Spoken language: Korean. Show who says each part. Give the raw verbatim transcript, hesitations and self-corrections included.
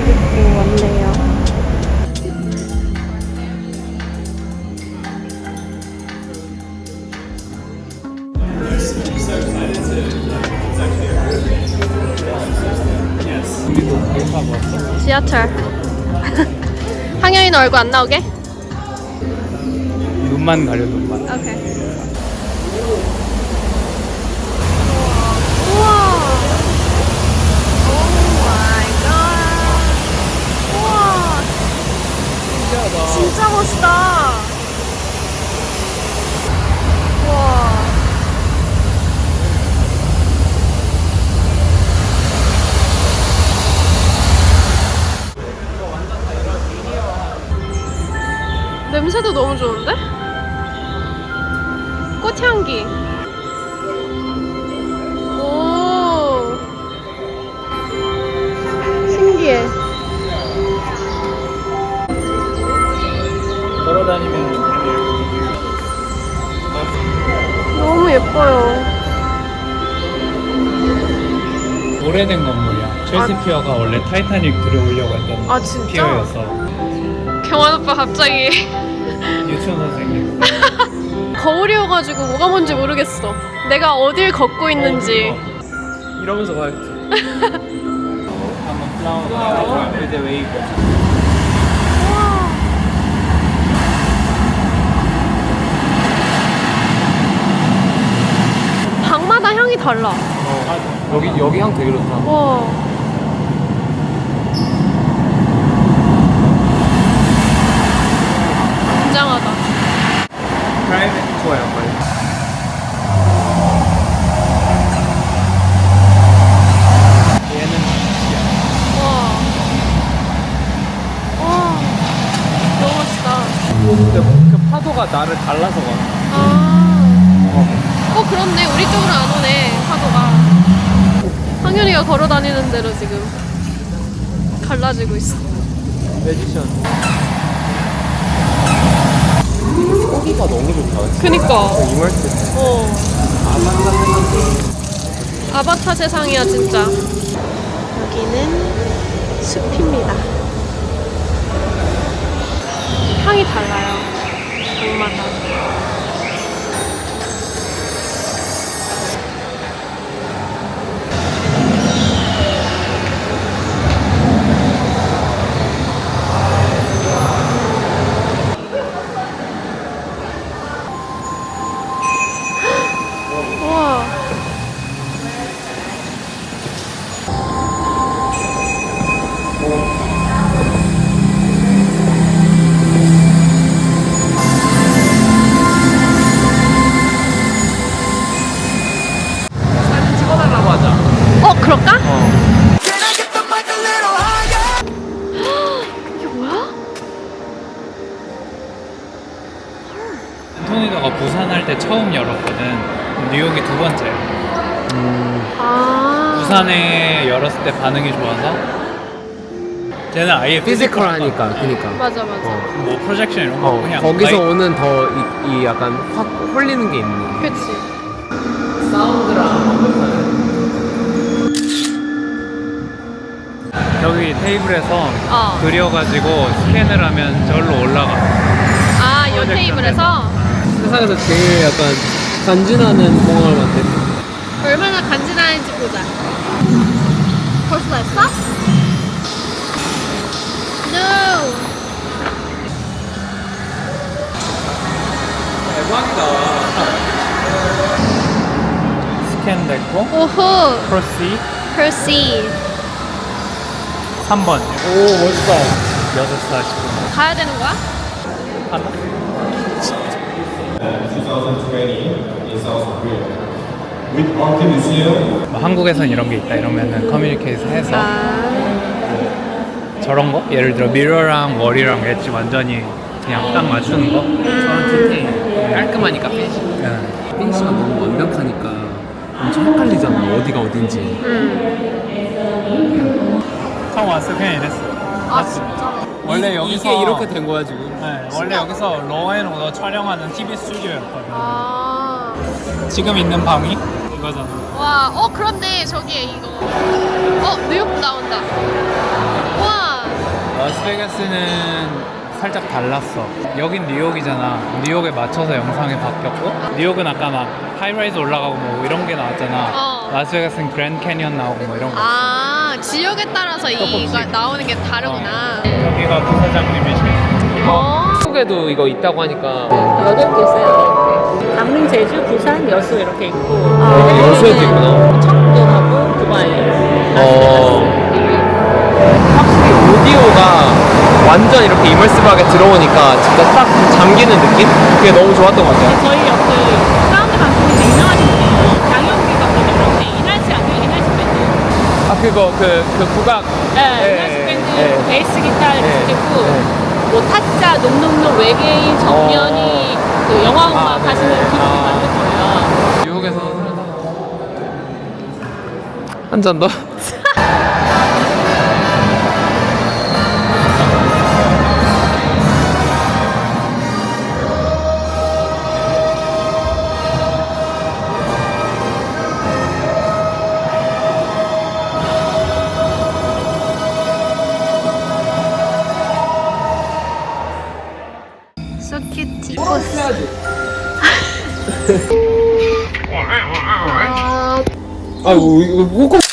Speaker 1: 오, 왔네요. 지하철. 황영이는 얼굴 안 나오게?
Speaker 2: 눈만 가려 눈만.
Speaker 1: 오케이. 우와. 오 마이 갓. 우와.
Speaker 2: 신기하다.
Speaker 1: 진짜 멋있다. 우와. 냄새도 너무 좋은데? 꽃향기. 오. 신기해.
Speaker 2: 걸어다니면
Speaker 1: 너무 예뻐요.
Speaker 2: 오래된 건물이야. 셰익스피어가 원래 타이타닉 들어오려고 했던
Speaker 1: 아, 진짜?
Speaker 2: 피어였어.
Speaker 1: 경환 오빠 갑자기
Speaker 2: 유치원 선생님.
Speaker 1: 거울이어가지고 뭐가 뭔지 모르겠어. 내가 어딜 걷고 있는지.
Speaker 2: 어, 이러면서 가야겠지. 한번 플라워 with the wave.
Speaker 1: 방마다 향이 달라.
Speaker 2: 어, 여기 여기 향 되게 좋다.
Speaker 1: 와. 굉장하다.
Speaker 2: 프라이빗 투어야 빨리. 얘는
Speaker 1: 와. 와. 너무 멋있다.
Speaker 2: 근데 그 파도가 나를 갈라서 가.
Speaker 1: 아. 어, 그렇네. 우리 쪽으로 안 오네, 파도가. 황윤이가 걸어 다니는 대로 지금 갈라지고 있어.
Speaker 2: 매지션. 소리가 너무 좋다.
Speaker 1: 그니까.
Speaker 2: 이멀스.
Speaker 1: 어.
Speaker 2: 아바타 세상.
Speaker 1: 아바타 세상이야, 진짜. 여기는 숲입니다. 향이 달라요. 방마다. 우와.
Speaker 2: 사진 찍어달라고 하자.
Speaker 1: 어, 그럴까?
Speaker 2: 어.
Speaker 1: 이게 뭐야?
Speaker 2: 앤토니도가 부산 할 때 처음 열었거든. 뉴욕이 두 번째.
Speaker 1: 아.
Speaker 2: 부산에 열었을 때 반응이 좋아서. 쟤는 아예
Speaker 3: 피지컬하니까 그니까
Speaker 1: 맞아, 맞아.
Speaker 3: 어,
Speaker 2: 뭐 프로젝션 이런 거
Speaker 3: 어
Speaker 2: 그냥
Speaker 3: 거기서
Speaker 2: 라이-
Speaker 3: 오는 더 이 약간 확 홀리는 게 있네.
Speaker 1: 그치.
Speaker 3: 사운드랑
Speaker 2: 저기 테이블에서
Speaker 1: 어.
Speaker 2: 그려가지고 스캔을 하면 저기로 올라가.
Speaker 1: 아, 요 테이블에서?
Speaker 3: 세상에서 제일 약간 간지나는 공항을 만든.
Speaker 1: 얼마나 간지나는지 보자. 벌써 했어? No.
Speaker 2: 대박이다. 스캔 됐고
Speaker 1: 오호.
Speaker 2: 프로시
Speaker 1: Proceed.
Speaker 2: 삼 번
Speaker 3: 오 멋있다.
Speaker 2: 여섯 시 사십 분
Speaker 1: 가야 되는 거야?
Speaker 2: 하나?
Speaker 4: twenty twenty in South Korea. With Art Museum,
Speaker 2: 뭐 한국에선 이런 게 있다 이러면은 커뮤니케이션 해서
Speaker 1: 아.
Speaker 2: 저런 거? 예를 들어 미러랑 머리랑 엣지 완전히 그냥 딱 맞추는 거?
Speaker 3: 저런 디테일 깔끔하니까 펜시.
Speaker 2: 응.
Speaker 3: 펜시가 너무 완벽하니까 엄청 헷갈리잖아. 어디가 어딘지.
Speaker 1: 음.
Speaker 2: 처음 왔을 때 그냥 이랬어.
Speaker 1: 아, 진짜?
Speaker 2: 원래
Speaker 3: 이-
Speaker 2: 여기서
Speaker 3: 이게 이렇게 된 거야 지금.
Speaker 2: 네, 원래 여기서 로앤오더 촬영하는 티비 스튜디오였거든.
Speaker 1: 아.
Speaker 2: 지금 있는 방이 이거잖아.
Speaker 1: 와, 어, 그런데 저기에 이거. 어, 뉴욕 나온다. 와.
Speaker 2: 라스베가스는 살짝 달랐어. 여긴 뉴욕이잖아. 뉴욕에 맞춰서 영상이 바뀌었고, 뉴욕은 아까 막 하이라이즈 올라가고 뭐 이런 게 나왔잖아.
Speaker 1: 어.
Speaker 2: 라스베가스는 그랜드 캐니언 나오고 뭐 이런 거.
Speaker 1: 아, 지역에 따라서 이가
Speaker 2: 조금씩.
Speaker 1: 나오는 게 다르구나.
Speaker 2: 여기가 부사장님이시네.
Speaker 1: 어.
Speaker 3: 한국에도 이거 있다고 하니까
Speaker 5: 여덟 개 있어요. 네. 강릉, 제주, 부산, 여수 이렇게 있고.
Speaker 3: 어, 여수에도 있구나.
Speaker 5: 청도하고 두바이.
Speaker 3: 어. 확실히 오디오가 완전 이렇게 이멀스브하게 들어오니까 진짜 딱 잠기는 느낌? 그게 너무 좋았던 것 같아요.
Speaker 5: 저희 옆에 사운드 방송에서 유명하신 분이에요. 장영기 감독님 이렇게 이날치 아세요? 이날치 밴드.
Speaker 3: 아 그거 그, 그 국악
Speaker 5: 네,
Speaker 3: 네,
Speaker 5: 이날치 밴드
Speaker 3: 네.
Speaker 5: 베이스 기타 이렇게
Speaker 3: 네.
Speaker 5: 듣고
Speaker 3: 네.
Speaker 5: 뭐 타짜, 놈놈놈 외계인, 정면이 그 영화 음악
Speaker 3: 아, 네.
Speaker 5: 하시는 그분이
Speaker 3: 아.
Speaker 5: 만든 거예요.
Speaker 3: 뉴욕에서 한 잔 더?
Speaker 1: So cute.
Speaker 3: 아이고 이거 꼭